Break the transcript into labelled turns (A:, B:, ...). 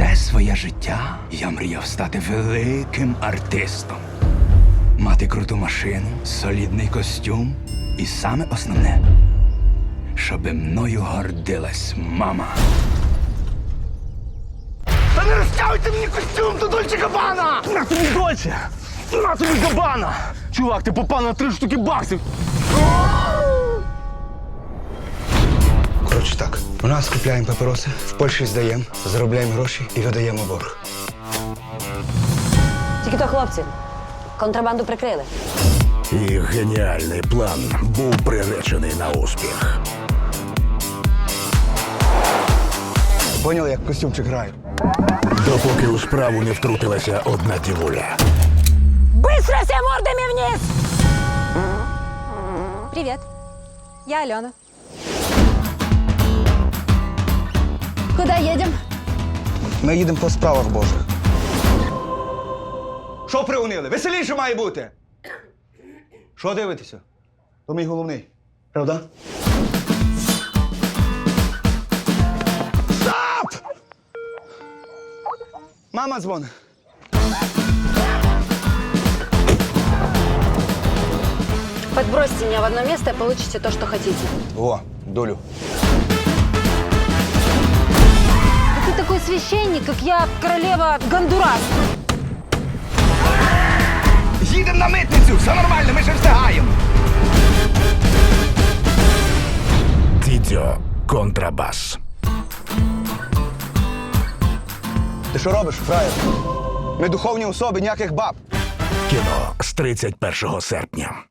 A: Все своє життя я мріяв стати великим артистом. Мати круту машину, солідний костюм і саме основне, щоби мною гордилась мама. Та не розтягуйте мені костюм до Дольче Габбана!
B: На тобі Дольче! На тобі Габбана! Чувак, ти попав на 3 штуки баксів!
A: Коротше так, у нас купляємо папіроси, в Польщі здаємо, заробляємо гроші і видаємо борг.
C: Тільки то, хлопці, контрабанду прикрили.
D: Їх геніальний план був приречений на успіх.
A: Поняли, як костюмчик грає?
D: Допоки у справу не втрутилася одна дівуля.
C: Быстро все мордами вниз!
E: Привет, я Алена. Куда едем?
A: Ми їдемо по справах Божих. Що приунили? Веселіше має бути! Що дивитеся? То мій головний. Правда? Стоп! Мама дзвонить.
C: Подбросьте меня в одно место и получите то, что хотите.
A: О, долю.
C: Ты такой священник, как я королева Гондурас.
A: Їдемо на митницю! Все нормально, ми ще встигаємо!
D: Дідьо контрабас.
A: Ти що робиш, фраєр? Ми духовні особи, ніяких баб.
D: Кіно з 31 серпня.